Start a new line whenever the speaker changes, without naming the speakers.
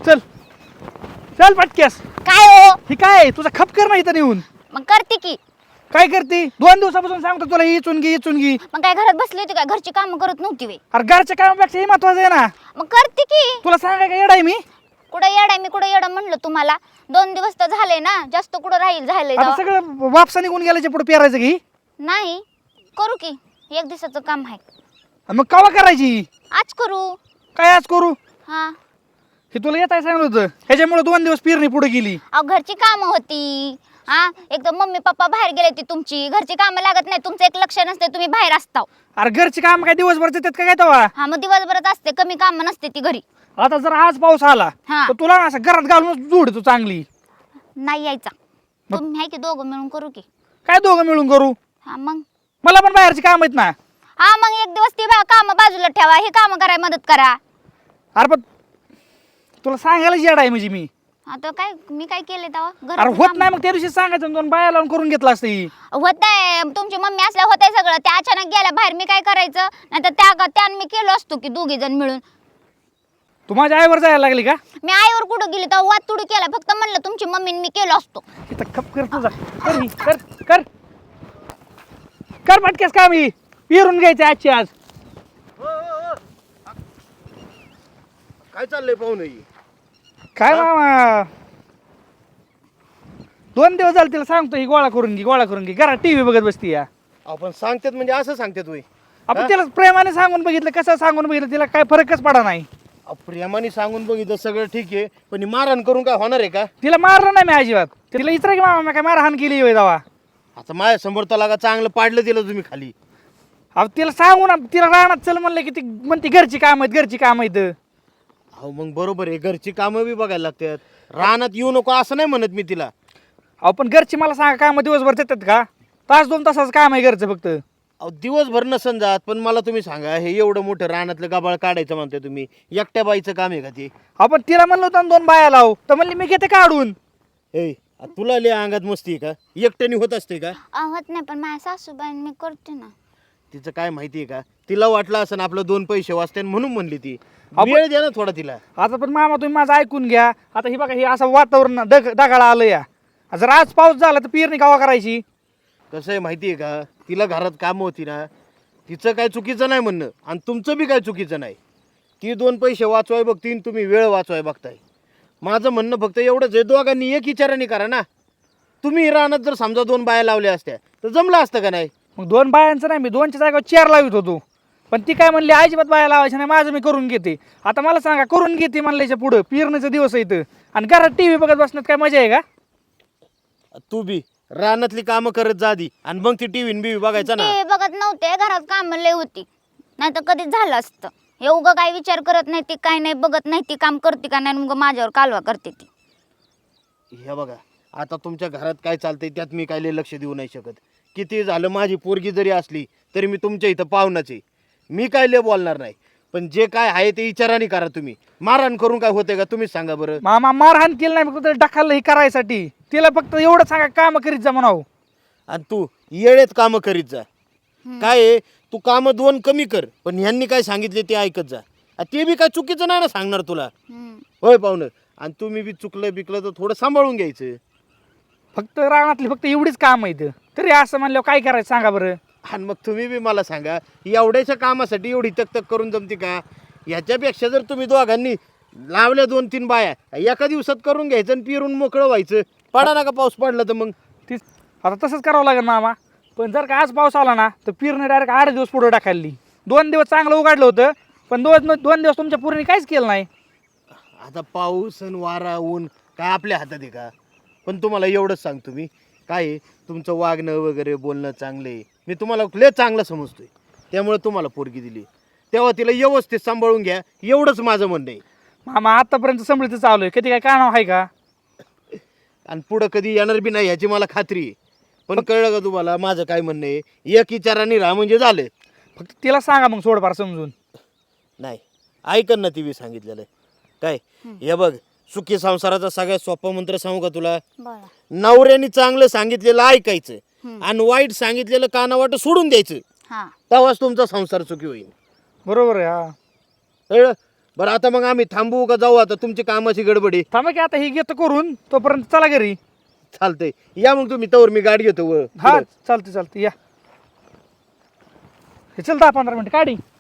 चल चल पटक्यास.
काय हो
ही काय तुझा खप कर ना इथं येऊन.
मग करते की.
काय करते 2 दिवसापासून सांगतो तुला ही चुनगी ही चुनगी.
मग काय घरात बसली होती काय घरची कामं करत नव्हती वे.
अरे घरच्या कामापेक्षा हे महत्वाचं आहे ना.
मग करते की.
तुला सांगाय का येडा आहे मी.
कुठं येडाय मी कुठं येडं म्हणलं तुम्हाला. 2 दिवस तर झाले ना जास्त कुठं राहील झालंय
आता
तेव्हा.
सगळं वापसा निघून गेल्याच्या पुढे पेरायचं की.
नाही करू की 1 दिवसाचं काम आहे.
मग कवा करायची.
आज करू.
काय आज करू.
हा
हे तुला येत आहे सांगितलं होतं ह्याच्यामुळे 2 दिवस पेरणी पुढे गेली.
अहो घरची कामं होती. हा एकदम मम्मी पप्पा बाहेर गेले ती तुमची घरची कामं लागत नाही तुमचं एक लक्ष नसते तुम्ही बाहेर असता.
अरे घरची काम काय दिवसभर देतात का काय तेव्हा.
हा मग दिवसभरात असते कमी काम नसते ती घरी.
आता जर आज पाऊस आला
हा.
तर तुला असं घरात घालून जोड तू चांगली.
नाही यायचा तुम्ही आहे की दोघं मिळून करू की.
काय दोघं मिळून करू.
हा मग
मला पण बाहेरची काम आहेत ना.
हा मग 1 दिवस ती काम बाजूला ठेवा हे काम करायला मदत करा.
अरे पण तुला सांगायला येडा आहे म्हणजे मी.
आता काय मी काय केले तेव्हा
अरे होत नाही मग त्या दिवशी सांगायचं 2 बाया लावून करून घेतला असतं ही.
होतंय तुमची मम्मी असल्या होतंय सगळं त्या अचानक गेल्या बाहेर मी काय करायचं नाही तर त्या मी केलो असतो की 2 जण मिळून.
तू माझ्या आईवर जायला लागली का.
मी आईवर कुठं गेली तेव्हा वाद तुडू केला फक्त म्हणलं तुमची मम्मीने मी केलो असतो.
इथं खप कर तुझा कर ही, कर कर कर पटकेस काम ही पिरून घ्यायचे आजची आज.
काय चाललंय पाहुणे.
काय मामा 2 दिवस झाले तिला सांगतो ही गोळा करून घे घरात टीव्ही बघत बसती या.
आपण सांगतात म्हणजे असं सांगतात वय.
आपण तिला प्रेमाने सांगून बघितलं कसं सांगून बघितलं तिला काय फरकच पडा नाही.
प्रेमाने सांगून बघितलं सगळं ठीक आहे पण ही मारहाण करून काय होणार आहे का.
तिला मारलं नाही मी अजिबात. तिला इतर की मामा मी काय मारहाण केली होय दावा.
आता माझ्या समोर तलागा चांगलं पाडलं दिलं तुम्ही खाली.
अहो तिला सांगू ना तिला रानात चल म्हणलं की ती म्हणते घरची काम आहेत.
अहो मग बरोबर आहे घरची कामं बी बघायला लागतात. रानात येऊ नको असं नाही म्हणत मी तिला.
अहो पण घरची मला सांगा काम दिवसभर देतात का. 1-2 तासाचं काम आहे घरचं फक्त.
अहो दिवसभर नसन जात पण मला तुम्ही सांगा हे एवढं मोठं रानातलं गाबाळ काढायचं म्हणताय तुम्ही एकट्या बाईचं काम आहे का ते.
आपण तिला म्हणलं होतं 2 बाया लाव तर म्हणली मी घेते काढून.
ए तुला लय अंगात मस्ती आहे का एकट्याने होत असते का.
होत नाही पण माझ्या सासूबाईन मी करते ना.
तिचं काय माहिती आहे का तिला वाटलं असं आपलं 2 पैसे वाचते म्हणून म्हणली ती. वेळ द्या ना थोडा तिला.
आता पण मामा तुम्ही माझं ऐकून घ्या. आता ही बघा हे असं वातावरण ढगाळा आलं या. जर आज पाऊस झाला तर पेरणी गावा करायची.
कसं आहे माहिती आहे का तिला घरात कामं होती ना तिचं काय चुकीचं नाही म्हणणं आणि तुमचं बी काय चुकीचं नाही. ती 2 पैसे वाचवाय बघतीन तुम्ही वेळ वाचवाय बघताय. माझं म्हणणं फक्त एवढंच आहे दोघांनी एक विचाराने करा ना. तुम्ही रानात जर समजा 2 बाया लावल्या असत्या तर जमलं असतं का नाही.
मग 2 बायांचं नाही मी 2च्या जागेवर 4 लावित होतो. पण ती काय म्हणली अजिबात बाया लावायची नाही माझं मी करून घेते. आता मला सांगा करून घेते म्हणल्याच्या पुढं पेरणीचा दिवस येतं आणि घरात टीव्ही बघत बसण्यात काय मजा आहे का.
तू बी रानातली कामं करत जा आधी आणि मग ती टीव्ही बिव्ही बघायचा ना.
ते बघत नव्हते घरात काम लय होती नाही तर कधीच झालं असतं. हे उगं काय विचार करत नाही ती काय नाही बघत नाही ती काम करते का नाही मग माझ्यावर कालवा करते ती.
हे बघा आता तुमच्या घरात काय चालतंय त्यात मी काय लय लक्ष देऊ नाही शकत. किती झालं माझी पोरगी जरी असली तरी मी तुमच्या इथं पाहुणाच आहे. मी काय लय बोलणार नाही पण जे काय आहे ते विचाराने करा तुम्ही. मारहाण करून काय होते का तुम्हीच सांगा बरं.
मामा मारहाण केलं नाही फक्त ढकललं हे करायसाठी. तिला फक्त एवढं सांगा काम करीत जा म्हणावं.
आणि तू येळेत कामं करीत जा. काय आहे तू कामं 2 कमी कर पण ह्यांनी काय सांगितले ते ऐकत जा. ते बी काय चुकीचं नाही ना सांगणार तुला. होय पाहुणं आणि तुम्ही बी चुकलं बिकलं तर थोडं सांभाळून घ्यायचं.
फक्त रानातली फक्त एवढीच काम आहेत तरी असं म्हणल्यावर काय करायचं सांगा बरं.
आणि मग तुम्ही बी मला सांगा एवढ्याच्या कामासाठी एवढी तक करून जमते का. ह्याच्यापेक्षा जर तुम्ही दोघांनी लावल्या 2-3 बाया एका दिवसात करून घ्यायचं आणि पिरून मोकळं व्हायचं. पडा ना का पाऊस पडला तर मग
तीच आता तसंच करावं लागेल मामा. पण जर का आज पाऊस आला ना तर पेरणी डायरेक्ट 8 दिवस पुढे टाकायली. 2 दिवस चांगलं उघडलं होतं पण 2 दिवस तुमच्या पूर्ण काहीच केलं नाही.
आता पाऊस आणि वारा ऊन काय आपल्या हातात आहे का. पण तुम्हाला एवढंच सांगतो मी काय आहे, तुमचं वागणं वगैरे बोलणं चांगलं आहे. मी तुम्हाला लय चांगलं समजतोय त्यामुळे तुम्हाला पोरगी दिली. तेव्हा तिला व्यवस्थित सांभाळून घ्या एवढंच माझं म्हणणं आहे.
मामा आतापर्यंत संभळीचं चालू आहे कधी काय कानाव आहे का.
आणि पुढं कधी येणार बी नाही ह्याची मला खात्री आहे. पण कळलं का तुम्हाला माझं काय म्हणणं आहे. एक विचाराने राहा म्हणजे झालं.
फक्त तिला सांगा मग थोडंफार समजून.
नाही ऐकन ना ती बी सांगितलेलं आहे. काय हे बघ सुखी संसाराचा सगळ्यात सोपा मंत्र सांगू का तुला. नवऱ्याने चांगलं सांगितलेलं ऐकायचं आणि वाईट सांगितलेलं कानावाट सोडून द्यायचं. तेव्हाच तुमचा संसार सुखी होईल.
बरोबर आहे. हा
कळलं. बरं आता मग आम्ही थांबू का जाऊ? आता तुमची कामाची गडबडी.
थांबा की आता ही घेतो करून, तोपर्यंत चला घरी.
चालतंय, या मग तुम्ही, तवर मी गाडी घेतो
हा चालते चालते या. हे चल 10-15 मिनिट काढी.